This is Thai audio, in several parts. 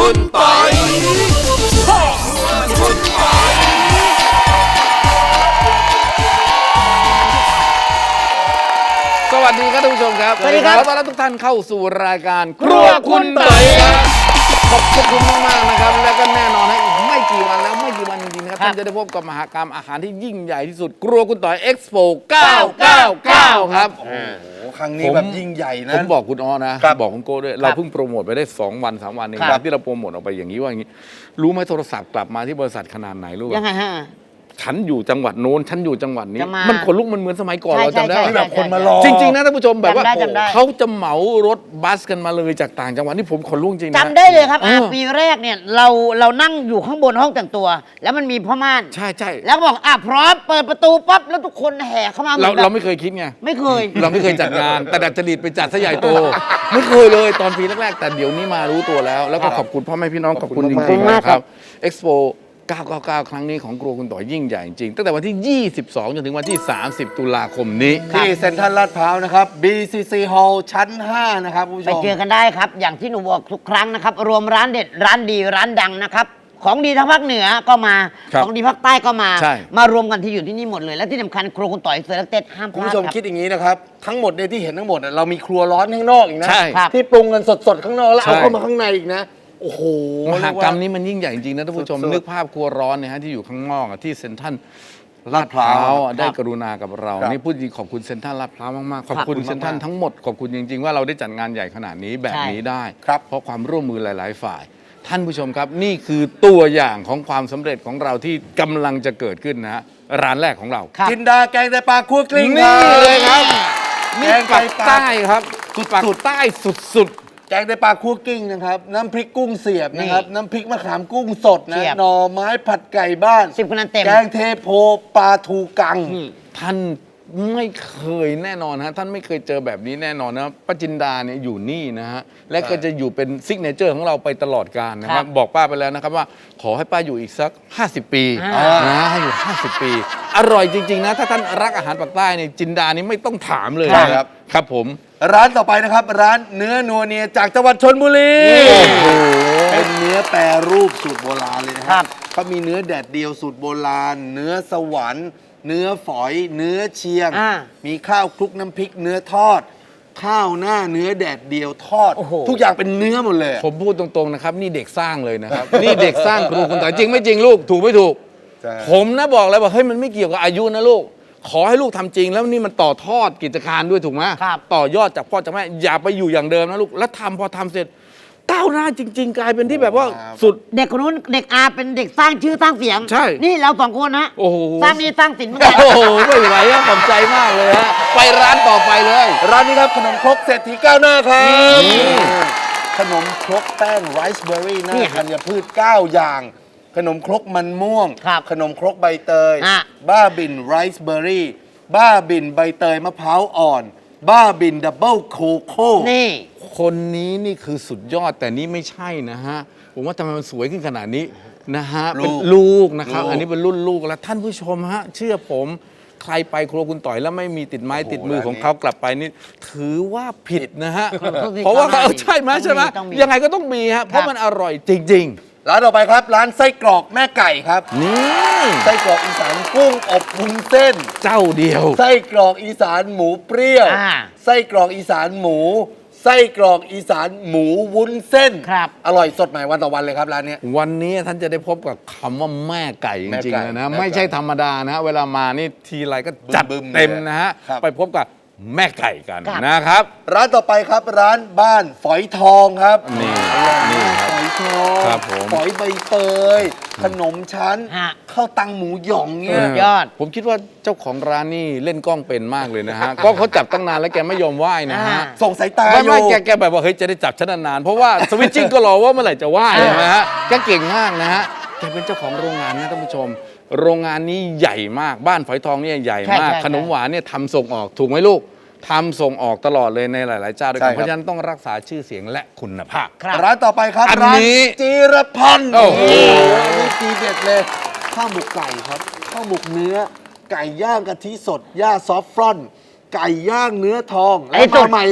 คุณปอยสวัสดีครับท่านผู้ชมครับสวัสดีครับขอต้อนรับทุกท่านเข้าสู่รายการครัวคุณปอยครับขอบคุณมากๆนะครับและก็แน่นอนนะอีกไม่กี่วันแล้วไม่กี่วันจริงๆนะครับท่านจะได้พบกับมหกรรมอาหารที่ยิ่งใหญ่ที่สุดครัวคุณต่อยเอ็กซ์โป999ครับครั้งนี้แบบยิ่งใหญ่นะผมบอกคุณอ้อนะบอกคุณโก้ด้วยเราเพิ่งโปรโมทไปได้2 วัน 3 วันเองที่เราโปรโมทออกไปอย่างนี้ว่าอย่างนี้รู้ไหมโทรศัพท์กลับมาที่บริษัทขนาดไหนรู้ไหมยังไงฮะฉันอยู่จังหวัดโน้นฉันอยู่จังหวัดนี้มันขนลุกมันเหมือนสมัยก่อนเราจำได้ที่แบบคนมารอจริงๆนะท่านผู้ชมแบบว่าเขาจะเหมารถบัสกันมาเลยจากต่างจังหวัดนี่ผมขนลุกจริงนะจำได้เลยครับปีแรกเนี่ยเรานั่งอยู่ข้างบนห้องแต่งตัว แล้วมันมีพ่อม่านใช่แล้วบอกพร้อมเปิดประตูปั๊บแล้วทุกคนแห่เข้ามาเราไม่เคยคิดไงไม่เคยเราไม่เคยจัดงานแต่ดัดจริตไปจัดซะใหญ่โตไม่เคยเลยตอนปีแรกๆแต่เดี๋ยวนี้มารู้ตัวแล้วก็ขอบคุณพ่อแม่พี่น้องขอบคุณจริงๆนะครับเอ็กซ์โป999 ครั้งนี้ของครัวคุณต่อยยิ่งใหญ่จริงตั้งแต่วันที่ 22 จนถึงวันที่ 30 ตุลาคมนี้ที่เซ็นทรัลลาดพร้าวนะครับ BCC Hall ชั้น 5 นะครับผู้ชมไปเจอกันได้ครับอย่างที่หนูบอกทุกครั้งนะครับรวมร้านเด็ดร้านดีร้านดังนะครับของดีทางภาคเหนือก็มาของดีภาคใต้ก็มารวมกันที่อยู่ที่นี่หมดเลยและที่สำคัญครัวคุณต่อยเซอร์เต็ดห้ามพลาดคุณผู้ชมคิดอย่างนี้นะครับทั้งหมดเนี่ยที่เห็นทั้งหมดเรามีครัวร้อนข้างนอกอีกนะที่ปรุงกันสดๆข้างนอกแล้วเอาเข้ามาข้างในอีกนะโอ้โหมหกรรมนี้มันยิ่งใหญ่จริงๆนะท่านผู้ชมนึกภาพครัวร้อนเนี่ยฮะที่อยู่ข้างนอกที่เซ็นทรัลลาดพร้าวได้กรุณากับเรานี่พูดจริงขอบคุณเซ็นทรัลลาดพร้าวมากๆขอบคุณเซ็นทรัลทั้งหมดขอบคุณจริงๆว่าเราได้จัดงานใหญ่ขนาดนี้แบบนี้ได้เพราะความร่วมมือหลายๆฝ่ายท่านผู้ชมครับนี่คือตัวอย่างของความสำเร็จของเราที่กำลังจะเกิดขึ้นนะฮะร้านแรกของเราจินดาแกงไตปลาคั่วกลิ้งนี่เลยครับนี่ปักใต้ครับปักใต้สุดแกงไตปลาคั่วกลิ้งนะครับน้ำพริกกุ้งเสียบนะครับน้ำพริกมะขามกุ้งสดนะหน่อไม้ผัดไก่บ้าน 10 คะแนนเต็มแกงเทโพปลาทูกังท่านไม่เคยแน่นอนฮะท่านไม่เคยเจอแบบนี้แน่นอนนะป้าจินดาเนี่ยอยู่นี่นะฮะและก็จะอยู่เป็นซิกเนเจอร์ของเราไปตลอดกาลนะครับบอกป้าไปแล้วนะครับว่าขอให้ป้าอยู่อีกสัก50 ปีนะให้อยู่50 ปีอร่อยจริงๆนะถ้าท่านรักอาหารปากใต้เนี่ยจินดานี่ไม่ต้องถามเลยนะครับครับผมร้านต่อไปนะครับร้านเนื้อนัวเนียจากจังหวัดชลบุรีเป็นเนื้อแปรรูปสูตรโบราณเลยนะครับเขามีเนื้อแดดเดียวสูตรโบราณเนื้อสวรรค์เนื้อฝอยเนื้อเชียงมีข้าวคลุกน้ำพริกเนื้อทอดข้าวหน้าเนื้อแดดเดียวทอดทุกอย่างเป็นเนื้อหมดเลยผมพูดตรงๆนะครับนี่เด็กสร้างเลยนะครับนี่เด็กสร้างครูคุณต่อยจริงไม่จริงลูกถูกไม่ถูกผมนะบอกเลยว่าเฮ้ยมันไม่เกี่ยวกับอายุนะลูกขอให้ลูกทำจริงแล้วนี่มันต่อทอดกิจการด้วยถูกไหมต่อยอดจากพ่อจากแม่อย่าไปอยู่อย่างเดิมนะลูกแล้วทำพอทำเสร็จก้าวหน้าจริงๆกลายเป็นที่แบบว่าสุดเด็กคนนู้นเด็กเป็นเด็กสร้างชื่อสร้างเสียงใช่นี่เรา2 คนนะสร้างนี่สร้างสินเหมือนกันโอ้โหไม่ไหวอะขอบใจมากเลยฮะไปร้านต่อไปเลยร้านนี้ครับขนมครกเศรษฐีก้าวหน้าครับขนมครกแป้งไรซ์เบอร์รี่หน้าธัญพืช9 อย่างขนมครกมันม่วงขนมครกใบเตยบ้าบินไรซ์เบอร์รี่บ้าบินใบเตยมะพร้าวอ่อนบ้าบินดับเบิลโคโค่นี่คนนี้นี่คือสุดยอดแต่นี่ไม่ใช่นะฮะผมว่าทำไมมันสวยขึ้นขนาดนี้นะฮะเป็นลูกนะครับอันนี้เป็นรุ่นลูกแล้วท่านผู้ชมฮะเชื่อผมใครไปครัวคุณต่อยแล้วไม่มีติดไม้ติดมือของเขากลับไปนี่ถือว่าผิดนะฮะเพราะว่าใช่ไหมยังไงก็ต้องมีฮะเพราะมันอร่อยจริงๆร้านต่อไปครับร้านไส้กรอกแม่ไก่ครับนี่ไส้กรอกอีสานกุ้งอบวุ้นเส้นเจ้าเดียวไส้กรอกอีสานหมูเปรี้ยวไส้กรอกอีสานหมูไส้กรอกอีสานหมูวุ้นเส้นอร่อยสดใหม่วันต่อวันเลยครับร้านนี้วันนี้ท่านจะได้พบกับคำว่าแม่ไก่จริงๆเลยนะไม่ใช่ธรรมดานะเวลามานี่ทีไรก็จัดเต็มนะฮะไปพบกับแม่ไก่กันนะครับร้านต่อไปครับร้านบ้านฝอยทองครับนี่ฝอยทองฝอยใบเตยขนมชั้นข้าวตังหมูหยองเนี่ยยอดผมคิดว่าเจ้าของร้านนี่เล่นกล้องเป็นมากเลยนะฮะก็เขาจับตั้งนานแล้วแกไม่ยอมไหว้นะฮะส่งสายตาไม่แกแบบว่าเฮ้ยจะได้จับฉันนานเพราะว่าสวิตชิ่งก็รอว่าเมื่อไหร่จะไหว้นะฮะแกเก่งมากนะฮะแกเป็นเจ้าของโรงงานนะท่านผู้ชมโรงงานนี้ใหญ่มากบ้านฝอยทองเนี่ยใหญ่มากขนมหวานเนี่ยทำส่งออกถูกไหมลูกทำส่งออกตลอดเลยในหลายๆเจ้าด้วยกันเพราะฉะนั้นต้องรักษาชื่อเสียงและคุณภาพร้านต่อไปครับร้านจีรพันธ์โอ้โหนี่ทีเด็ดเลยข้าวหมกไก่ครับข้าวหมกเนื้อไก่ย่างกะทิสดย่าซอฟฟรอนไก่ย่างเนื้อทองแล้วมาใหม่เลย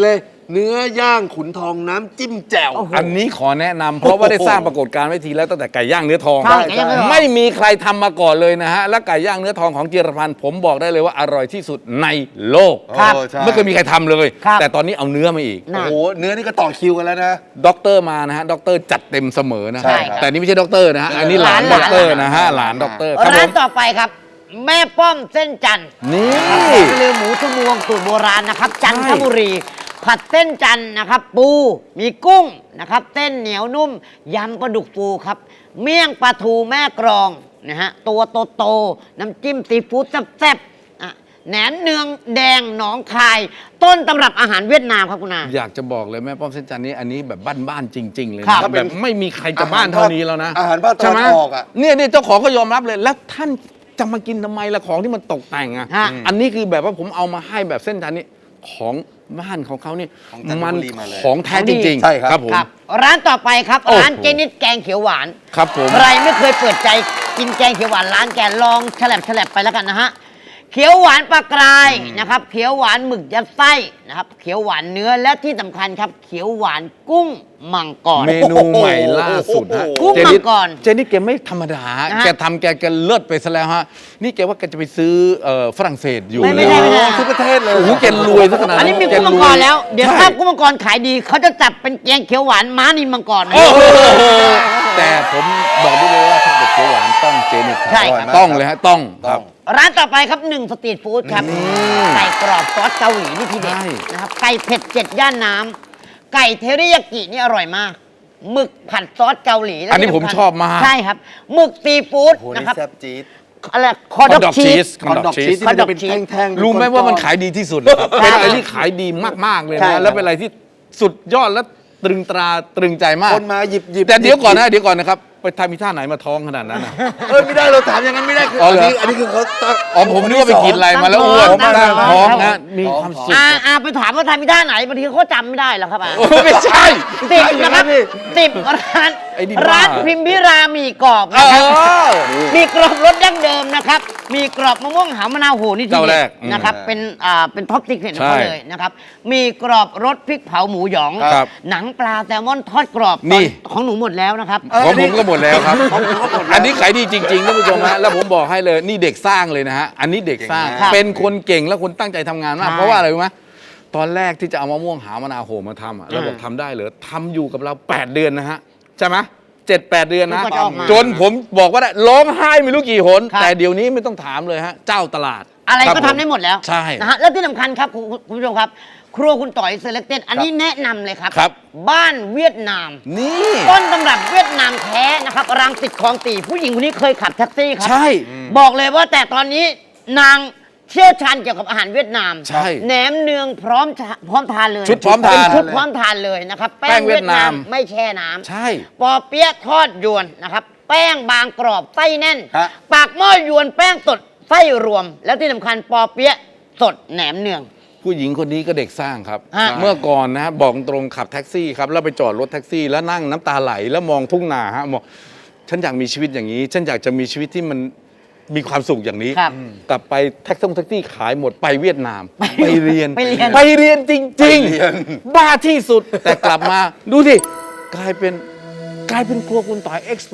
เนื้อย่างขุนทองน้ำจิ้มแจ่วอันนี้ขอแนะนำเพราะว่าได้สร้างปรากฏการณ์ไว้ทีแล้วตั้งแต่ไก่ย่างเนื้อทองใช่ไก่ย่างเนื้อทองไม่มีใครทำมาก่อนเลยนะฮะและไก่ย่างเนื้อทองของจิรพันธ์ผมบอกได้เลยว่าอร่อยที่สุดในโลกครับใช่ไม่เคยมีใครทำเลยครับแต่ตอนนี้เอาเนื้อมาอีกโอ้โหเนื้อนี่ก็ต่อคิวกันแล้วนะด็อกเตอร์มานะฮะด็อกเตอร์จัดเต็มเสมอนะใช่ครับแต่นี่ไม่ใช่ด็อกเตอร์นะฮะอันนี้หลานหลานด็อกเตอร์นะฮะหลานด็อกเตอร์ครับผร้านมต่อไปครับ แม่ป้อมเส้นจันทร์นี่เรือหมูชมวงสูตรโบราณนะครับ จันทบุรี ผัดเส้นจันทร์นะครับ ปูมีกุ้งนะครับเส้นเหนียวนุ่มยำปลาดุกฟูครับ เมี่ยงปลาทูแม่กรองนะฮะตัวโตๆน้ำจิ้มซีฟู้ดแซ่บๆอ่ะแหนมเนืองแดงหนองคาย ต้นตำรับอาหารเวียดนามครับคุณอาอยากจะบอกเลยแม่ป้อมเส้นจันทร์นี้อันนี้แบบบ้านๆจริง ๆ เลยครันะบแบบไม่มีใครจะบ้านเท่านี้แล้วนะอาหารภาคตะวันใช่ไหมออกอะเนี่ยเจ้าของก็ยอมรับเลยแล้วท่านจะมากินทำไมล่ะของที่มันตกแต่งอ่ะฮะอันนี้คือแบบว่าผมเอามาให้แบบเส้นจันทร์นี้ของบ้านของเขาเนี่ยของจันทมันบุรีมาเลยของแท้จริงๆใช่ครับผมครับ ร้านต่อไปครับโอ้โหร้านเจนิดแกงเขียวหวานครับผมใครไม่เคยเปิดใจกินแกงเขียวหวานร้านแกลองแฉลบไปแล้วกันนะฮะ เขียวหวานปลากรายนะครับ เขียวหวานหมึกยัดไส้นะครับ เขียวหวานเนื้อและที่สำคัญครับ เขียวหวานกุ้งมังกรเมนูใหม่ล่าสุดฮะกุ้งเจนิดมังกรเจนิดแกไม่ธรรมดานะฮะแกทำแกเลิศไปซะแล้วฮะนี่แกว่าแกจะไปซื้อฝรั่งเศสอยู่ไม่ได้เลยทุกประเทศเลยโอ้โหแกรวยซะขนาดนั้นอันนี้มีแกุ้งมังกรแล้ว เดี๋ยวใช่ถ้ากุ้งมังกรขายดีเขาจะจับเป็นแกงเขียวหวานม้านินมังกรโอ้โหแต่ผมบอกได้เลยว่าถ้าเกิดเขียวหวานต้องเจนิดครับใช่ครับต้องเลยฮะต้องครับร้านต่อไปครับหนึ่งสตรีทฟู้ดครับ ไก่กรอบซอสเกาหลีนี่ทีเด็ดใช่นะครับ ไก่เผ็ด7 ย่านน้ำไก่เทริยากินี่อร่อยมากหมึกผัดซอสเกาหลีและอันนี้ที่ผมสำคัญชอบมากใช่ครับหมึกซีฟู้ดโอ้โหนะนี่ครับแซ่บจี๊ดอะไรคอดอกชีสคอนดอกชีสที่มันจะเป็นแท่งๆรู้ไหมว่ามันขายดีที่สุดนะครับใช่เป็นอะไรที่ขายดีมากๆเลยใช่ครันะบแล้วเป็นอะไรที่สุดยอดและตรึงตราตรึงใจมากคนมาหยิบแต่เดี๋ยวก่อนนะครับไปทำมีท่าไหนมาท้องขนาดนั้นอะไม่ได้เราถามอย่างนั้นไม่ได้คืออ๋ออันเหรอนี้อันนี้คือเขาตั้งอ๋อผมนึกว่าไปกินอะไรมาแล้วอ้วนตั้งท้องตั้งท้องตั้งท้องนะมีความสุขไปถามว่าทำมีท่าไหนบางทีเขาจำไม่ได้หรอกครับโอ้ไม่ใช่ติดนะครับติดร้านไอ้นี่บ้าร้านพิมพิรามีกรอบเอนะครับอมีกรอบรสดั้งเดิมนะครับ มีกรอบมะม่วงหาวมะนาวโหนี่ทีเจ้าเด็แรดกนะครับ เป็นท็อปติกเด็ดของเขาใช่เลยนะครับ มีกรอบรสพริกเผาหมูหยองครับหนังปลาแซลมอนทอดกรอบนี่ของหนูหมดแล้วนะครับของผมก็หมดแล้วครับ อันนี้ขายดีจริงๆท่านผู้ชมฮะแล้วผมบอกให้เลยนี่เด็กสร้างเลยนะฮะ อันนี้เด็กสร้างเก่งมากเป็นคนเก่งและคนตั้งใจทำงานมากใช่เพราะว่าอะไรรู้ไหมตอนแรกที่จะเอามะม่วงหาวมะนาวโหมาทำอะเราบอกทำได้เหรอทำอยู่กับเรา 8 เดือนนะฮะ ใช่ไหม7-8 เดือนนะมันก็จะออกมาจนผมบอกว่าได้ร้องไห้ไม่รู้กี่หนครับแต่เดี๋ยวนี้ไม่ต้องถามเลยฮะ เจ้าตลาดอะไรคบก็ทำได้หมดแล้วใช่นะฮะแล้วที่สำคัญครับคุณผู้ชมครับ ครัวคุณต่อยเซเล c เต็ดอันนี้แนะนำเลยครับครับบ้านเวียดนามนี่ต้นตำรับเวียดนามแท้นะครับรังสิตคลองตีผู้หญิงคนนี้เคยขับแท็กซี่ครัใช่บอกเลยว่าแต่ตอนนี้นางเชี่ยวชาญเกี่ยวกับอาหารเวียดนามใช่แหนมเนืองพร้อมทานเลยชุดพร้อมทานเป็นชุดพร้อมทานเลยนะครับแป้งเวียดนามไม่แช่น้ำใช่ปอเปี๊ยะทอดยวนนะครับ แป้งบางกรอบไส้แน่นฮะปากหม้อยวนแป้งสดไส้รวม แล้วที่สำคัญปอเปี๊ยะสดแหนมเนืองผู้หญิงคนนี้ก็เด็กสร้างครับฮะเมื่อก่อนนะฮะบอกตรงขับแท็กซี่ครับแล้วไปจอดรถแท็กซี่แล้วนั่งน้ำตาไหลแล้วมองทุ่งนาฮะบอกฉันอยากมีชีวิตอย่างนี้ ฉันอยากจะมีชีวิตที่มันมีความสุขอย่างนี้ครับกลับไปแท็กซี่ขายหมดไปเวียดนาม ไปเรียนไปเรียนไปเรียนจริง ๆ บ้าที่สุดแต่กลับมาดูสิกลายเป็นครัวคุณต่อยเอ็กซ์โป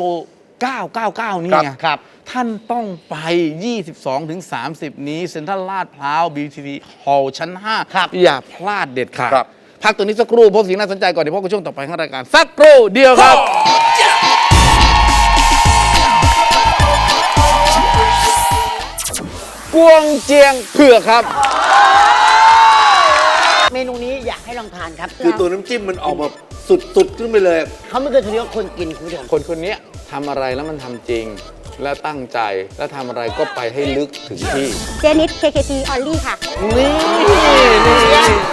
999 นี่ไงครับท่านต้องไป 22-30 นี้เซ็นทรัลลาดพร้าว BTV Hall ชั้นครับ 5 อย่าพลาดเด็ดขาดครับพักตัวนี้สักครู่พบสิ่งน่าสนใจก่อนเดี๋ยวพบกับช่วงต่อไปของรายการ สักครู่เดียวครับ กวงเจียงเผือกครับเมนูนี้อยากให้ลองทานครับคือตัวน้ำจิ้มมันออกแบบสุดๆขึ้นไปเลยเขาไม่เคยทะเลาะคนกินคุณผู้ชมคนคนนี้ทำอะไรแล้วมันทำจริง และตั้งใจและทำอะไรก็ไปให้ลึกถึงที่เจนิด KKT Only ค่ะนี่